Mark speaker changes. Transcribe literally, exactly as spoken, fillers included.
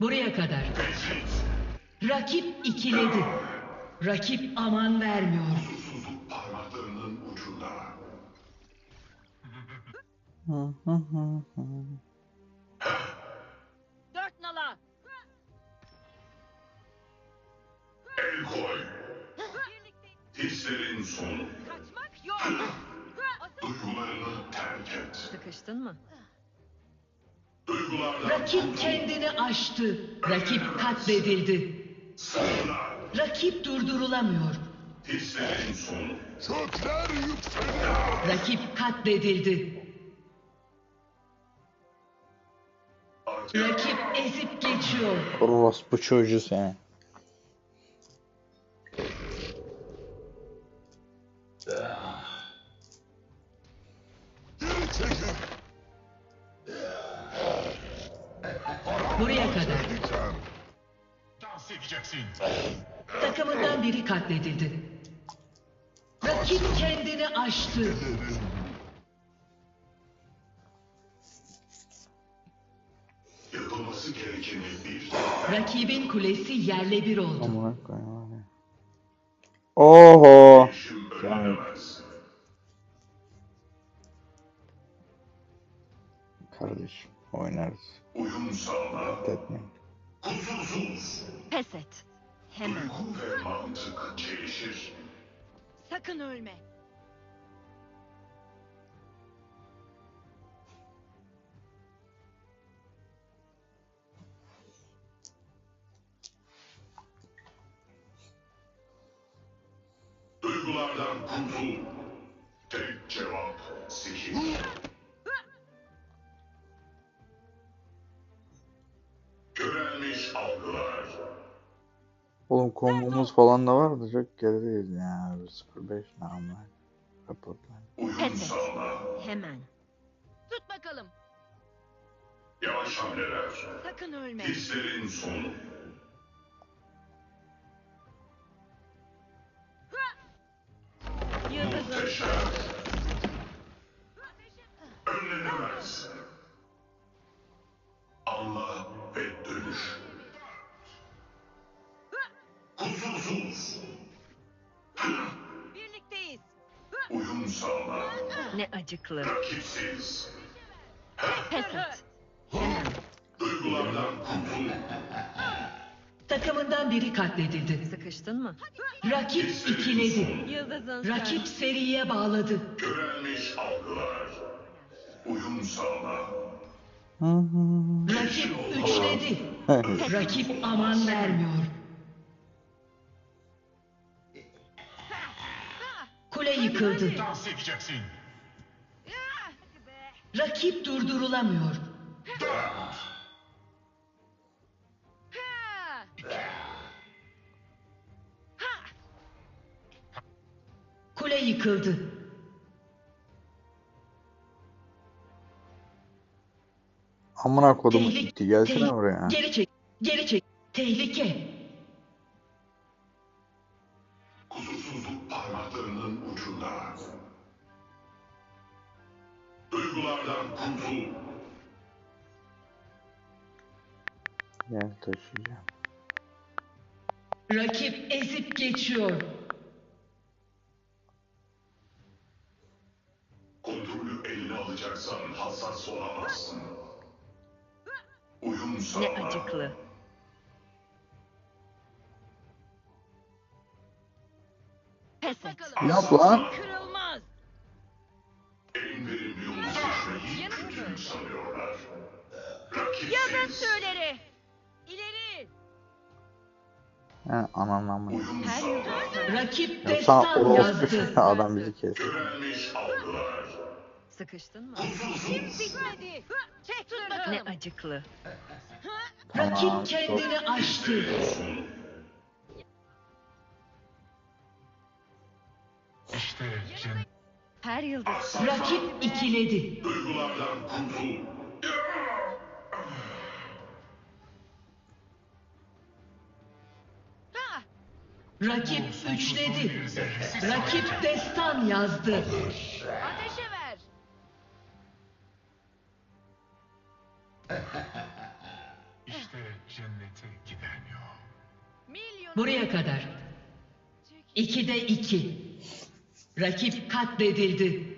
Speaker 1: Buraya kadar. Rakip ikiledi. Rakip aman vermiyor.
Speaker 2: Susuzluk parmaklarının ucunda.
Speaker 3: Dört nala.
Speaker 2: El koy. Hislerin sonu.
Speaker 3: Kaçmak yok.
Speaker 2: Duygularını terk et.
Speaker 3: Sıkıştın mı?
Speaker 2: Duygulardan
Speaker 1: Rakip kendini aştı. Rakip katledildi.
Speaker 2: sığına.
Speaker 1: Rakip durdurulamıyor.
Speaker 2: Hislerin sonu.
Speaker 4: Kökler yükseliyor.
Speaker 1: Rakip katledildi. Rakip ezip geçiyor.
Speaker 5: Orospu çocuğu seni.
Speaker 4: Geri çekil.
Speaker 1: Buraya kadar.
Speaker 4: Diken.
Speaker 2: Dans edeceksin.
Speaker 1: Takımından biri katledildi. Rakip kendini aştı.
Speaker 4: Yerin.
Speaker 2: Yapılması gerekeni bir.
Speaker 1: Rakibin kulesi yerle bir oldu.
Speaker 5: Amına koyayım abi. Oho.
Speaker 2: İşim önlenemez.
Speaker 5: Kardeşim oynarız.
Speaker 2: Uyum sağla.
Speaker 5: Etmeyin.
Speaker 2: Kusursuz.
Speaker 3: Pes et. Hemen.
Speaker 2: Duygu ve mantık çelişir.
Speaker 3: Sakın ölme.
Speaker 2: Duygulardan kurtul. Tek cevap sihir. Körelmiş algılar.
Speaker 5: Oğlum kombomuz falan da vardı. Çok gerideyiz ya. sıfır beş ne ama. Raporlar.
Speaker 2: Uyum
Speaker 3: Pes et.
Speaker 2: sağla.
Speaker 3: Hemen. Tut bakalım.
Speaker 2: Yavaş hamleler.
Speaker 3: Sakın ölme.
Speaker 2: Hislerin sonu.
Speaker 3: Yıldızın.
Speaker 2: Muhteşem. Önlenemez. Anla ve dönüş. Kusursuz.
Speaker 3: Birlikteyiz.
Speaker 2: Uyum sağla.
Speaker 3: Ne acıklı.
Speaker 2: Rakipsiz.
Speaker 3: Pes et. Hemen.
Speaker 2: Duygulardan kurtul.
Speaker 1: Takımından biri katledildi.
Speaker 3: Sıkıştın mı?
Speaker 1: Rakip ikiledi.
Speaker 3: Yıldızın.
Speaker 1: Rakip seriye bağladı.
Speaker 2: Körelmiş algılar. Uyum sağla.
Speaker 1: Rakip üçledi. Rakip aman vermiyor. Kule yıkıldı.
Speaker 2: Dans edeceksin.
Speaker 1: Rakip durdurulamıyor. Kule yıkıldı.
Speaker 5: Amına kodum
Speaker 1: Tehlike.
Speaker 5: gitti. Gelsene
Speaker 1: tehlike-
Speaker 5: buraya.
Speaker 1: Geri çek. Geri çek. Tehlike.
Speaker 2: Kusursuzluk parmaklarının ucunda. Duygulardan kurtul.
Speaker 5: Gel taşıyacağım.
Speaker 1: Rakip ezip geçiyor.
Speaker 2: Kontrolü eline alacaksan hassas olamazsın. Uyum
Speaker 3: Ne
Speaker 2: sağla.
Speaker 3: acıklı. Pes et.
Speaker 5: Yap lan.
Speaker 3: Kırılmaz.
Speaker 2: En verimli yolu seçmeyi kötülük sanıyorlar.
Speaker 3: Yazın
Speaker 2: Rakipsiz.
Speaker 3: tüyleri. İleri.
Speaker 5: He ananı amına.
Speaker 2: Uyum
Speaker 3: Her
Speaker 2: sağla.
Speaker 3: yıl.
Speaker 1: Rakip
Speaker 5: Ya sana
Speaker 1: destan
Speaker 5: orospu
Speaker 1: yazdı.
Speaker 5: çocuğu adam bizi kes.
Speaker 2: Körelmiş algılar.
Speaker 3: Sıkıştın mı?
Speaker 2: Kusursuz.
Speaker 3: Bitmedi. Çek tut bakalım. Ne acıklı.
Speaker 5: Tamam,
Speaker 1: Rakip kendini aştı.
Speaker 2: Sonu. İşte cin.
Speaker 3: Her yıldız.
Speaker 1: Rakip ikiledi.
Speaker 2: Duygulardan kurtul.
Speaker 1: Rakip üçledi. Rakip destan yazdı.
Speaker 3: Ateşe ver.
Speaker 2: İşte cennete giden yol.
Speaker 3: Milyon.
Speaker 1: Buraya kadar. ikide iki. Rakip katledildi.